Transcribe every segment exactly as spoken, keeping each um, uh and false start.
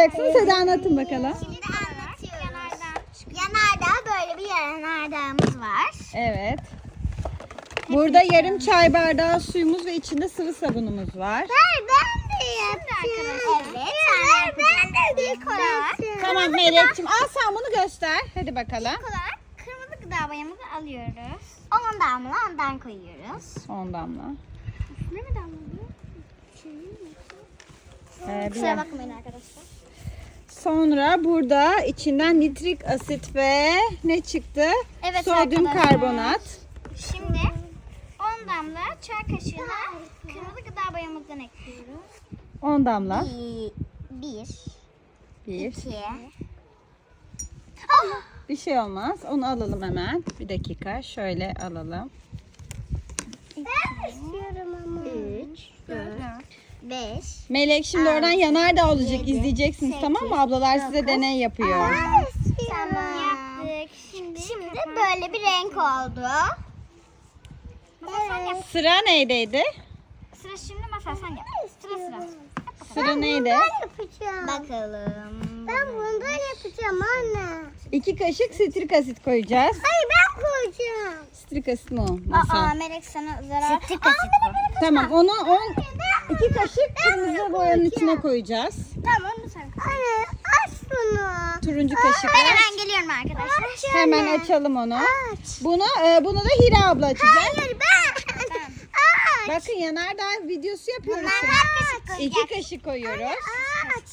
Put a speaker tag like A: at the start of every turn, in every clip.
A: anlatacaksınız? Hadi anlatın bakalım.
B: Şimdi anlatıyoruz. Yanardağ, böyle bir yanardağımız var.
A: Evet. Burada yarım çay bardağı suyumuz ve içinde sıvı sabunumuz var.
B: Ver, ben de yapacağım. Evet, ver, ben de yapacağım.
A: Tamam Melek'ciğim, al sen bunu göster. Hadi bakalım.
B: İlk olarak kırmızı gıda boyamızı alıyoruz. on damla ondan koyuyoruz.
A: on damla.
B: Ne mi damlıyor?
A: Ee,
B: Kusura
A: biraz-
B: bakmayın arkadaşlar.
A: Sonra burada içinden nitrik asit ve ne çıktı?
B: Evet
A: Sodyum
B: arkadaşlar.
A: karbonat.
B: Şimdi on damla çay kaşığına kırmızı gıda boyamızdan ekliyoruz.
A: on damla.
B: Bir,
A: Bir.
B: iki.
A: Bir şey olmaz. Onu alalım hemen. Bir dakika. Şöyle alalım.
B: Ben istiyorum ama. Üç, dört, beş.
A: Melek şimdi oradan yanardağ olacak. İzleyeceksiniz, tamam mı? Ablalar size deney yapıyor.
B: Tamam. Yaptık. Şimdi, Şimdi böyle bir renk oldu. Evet.
A: Sıra neydeydi?
B: Sıra şimdi masal sen yap. Sıra sıra.
A: Sıra neydi?
B: yapacağım. Bakalım. Ben bundan yapacağım anne.
A: İki kaşık sitrik asit koyacağız.
B: Hayır ben koyacağım.
A: Sitrik asit mi o?
B: Aa,
A: Masal?
B: Melek sana zarar. Sitrik asit bu.
A: Tamam, onu on iki kaşık kırmızı boyanın içine koyacağız.
B: Tamam onu sen. Anne aç bunu.
A: Turuncu
B: Ben
A: kaşıkla.
B: hemen geliyorum arkadaşlar.
A: Hemen açalım onu.
B: Aç.
A: Bunu e, bunu da Hira abla açacak.
B: Hayır ben. Aç.
A: Bakın yanardağ videosu yapıyoruz.
B: Bundan
A: şimdi.
B: kaç kaşık koyacak?
A: İki kaşık koyuyoruz.
B: Aç.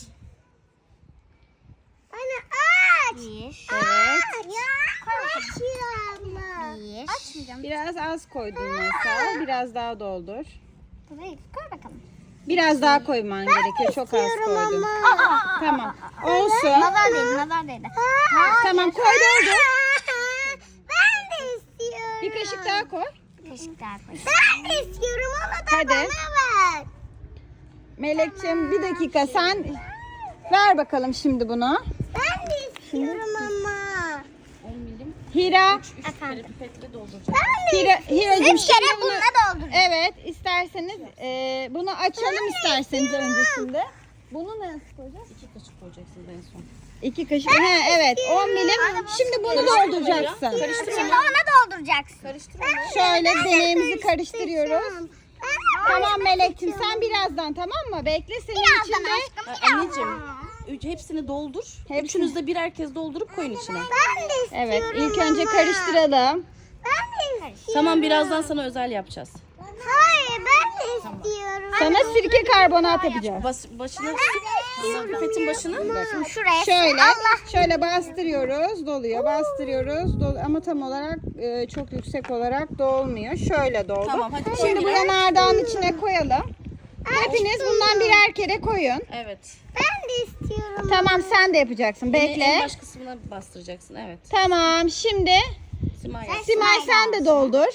B: Anne aç. Bir.
A: Evet.
B: Aç ya. Bir. Açmayacağım.
A: Biraz az koydun Masal. Biraz daha doldur.
B: Burayı koy bakalım.
A: Biraz daha koyman gerekiyor. Çok az koydun. Tamam. Olsun.
B: Nazar değdi, nazar değdi.
A: Tamam, koy doldur.
B: Ben de istiyorum.
A: Bir kaşık daha koy.
B: Bir kaşık daha koy. Ben de istiyorum onu da
A: Hadi.
B: bana ver.
A: Melekciğim bir dakika sen ver bakalım şimdi bunu.
B: Ben de istiyorum ama.
A: Hira.
B: Efendim.
A: Hira Hiracığım
B: Üç kere
A: şimdi bunu
B: bununla dolduracağım.
A: evet isterseniz e, bunu açalım isterseniz öncesinde. Bunu nasıl koyacağız?
C: İki kaşık koyacaksın en son.
A: İki kaşık. He, evet on milim. Şimdi bunu dolduracaksın.
B: Şimdi ona dolduracaksın.
C: Karıştır
A: Şöyle deneyimizi karıştırıyoruz. Tamam Melek'ciğim sen birazdan, tamam mı? Bekle senin
B: Birazdan
A: içinde.
B: aşkım.
C: onu. Anneciğim üç, hepsini doldur.
A: Hepsini.
C: Üçünüz de birer kez doldurup koyun içine.
B: Ben de istiyorum.
A: Evet ilk önce karıştıralım.
B: Ben de istiyorum.
C: Tamam birazdan sana özel yapacağız.
B: Hayır ben de istiyorum.
A: Sana sirke karbonat yapacağız.
C: Bas, başını sık pipetin başını.
B: Şuraya.
A: Şöyle
B: Allah.
A: şöyle bastırıyoruz, doluyor. Bastırıyoruz, dolu ama tam olarak e, çok yüksek olarak dolmuyor. Şöyle doldu.
C: Tamam, hadi koy
A: Şimdi bu
C: yine.
A: yanardağın içine koyalım. Hepiniz bundan birer kere koyun.
C: Evet.
B: Ben de istiyorum.
A: Tamam sen de yapacaksın.
C: Yine en
A: Bekle.
C: baş kısmına bastıracaksın. Evet.
A: Tamam şimdi
C: Simay yap.
A: Simay sen de doldur.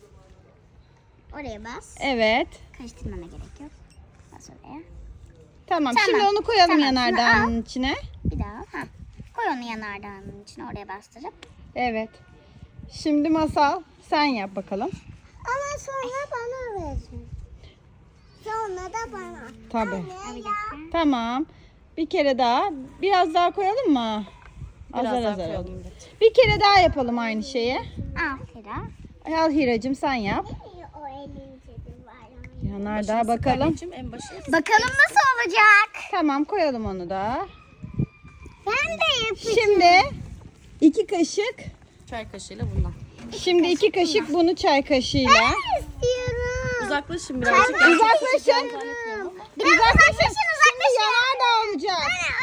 B: Oraya bas.
A: Evet.
B: Karıştırmana gerek yok. Bas oraya.
A: Tamam,
B: Tamam.
A: şimdi onu koyalım
B: Tamam,
A: yanardağın içine.
B: Bir daha. Ha. Koy onu yanardağının içine oraya bastırıp.
A: Evet. Şimdi Masal sen yap bakalım.
B: Ama sonra bana verin. Sonra da bana.
A: Tabii.
B: Bir dakika.
A: Tamam. Bir kere daha. Biraz daha koyalım mı?
C: Biraz
A: Azar
C: daha
A: azar.
C: koyalım. Evet.
A: Bir kere daha yapalım aynı şeyi.
B: Al Hira.
A: Al Hiracığım sen yap.
B: O elince de var.
A: Yanardağ
C: Başını sık
A: bakalım.
C: anneciğim, en başı.
B: Bakalım nasıl olacak?
A: Tamam koyalım onu da.
B: Ben de yapayım.
A: Şimdi iki kaşık.
C: Çay kaşığıyla bundan.
A: Şimdi iki kaşık bunu çay kaşığıyla.
B: İstiyorum.
C: Uzaklaşın birazcık.
A: Uzaklaşın.
B: Biraz uzaklaşın
A: Şimdi
B: uzaklaşın.
A: yanardağ olacak.
B: Anne